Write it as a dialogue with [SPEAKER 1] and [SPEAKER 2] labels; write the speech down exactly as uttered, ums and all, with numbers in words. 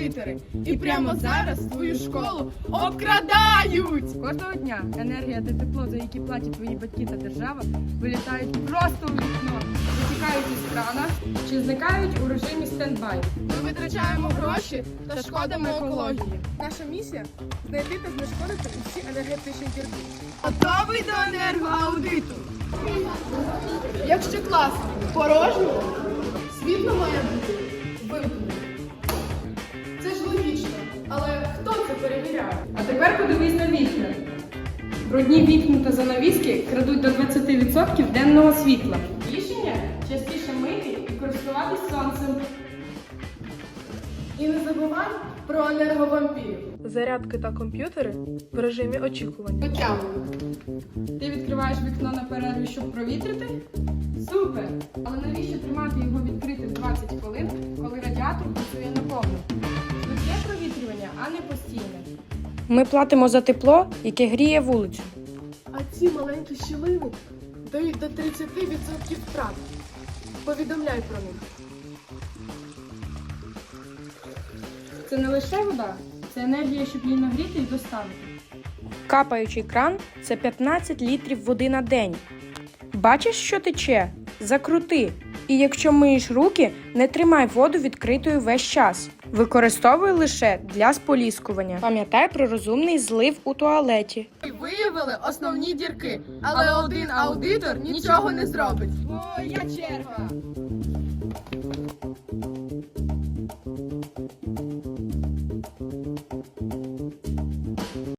[SPEAKER 1] аудитори. І прямо зараз твою школу обкрадають!
[SPEAKER 2] Кожного дня енергія та тепло, за які платять твої батьки та держава, вилітають просто у вікно, витікають із крана чи зникають у режимі стендбай.
[SPEAKER 1] Ми витрачаємо гроші та шкодимо екології.
[SPEAKER 3] Наша місія – знайти та знешкодити усі енергетичні дірки.
[SPEAKER 1] Готовий до енергоаудиту? Якщо клас порожній, світло має бути вимкнено. Це ж логічно, але хто це перевіряє?
[SPEAKER 2] А тепер подивись на вікна. Брудні вікна та занавіски крадуть до двадцяти відсотків денного світла. Рішення – частіше мити і користуватись сонцем.
[SPEAKER 1] І не забувай про енерговампірів.
[SPEAKER 3] Зарядки та комп'ютери в режимі очікування.
[SPEAKER 1] Потягуємо.
[SPEAKER 2] Ти відкриваєш вікно на перерві, щоб провітрити? Супер! Але навіщо тримати його відкритим двадцять хвилин, коли радіатор працює наповну? Швидке провітрювання, а не постійне.
[SPEAKER 4] Ми платимо за тепло, яке гріє вулицю.
[SPEAKER 3] А ці маленькі щілини дають до тридцяти відсотків втрат. Повідомляй про них.
[SPEAKER 2] Це не лише вода, це енергія, щоб її нагріти і доставити.
[SPEAKER 4] Капаючий кран – це п'ятнадцять літрів води на день. Бачиш, що тече? Закрути. І якщо миєш руки, не тримай воду відкритою весь час. Використовуй лише для споліскування. Пам'ятай про розумний злив у туалеті.
[SPEAKER 1] І виявили основні дірки, але один аудитор нічого не зробить.
[SPEAKER 2] Моя черга!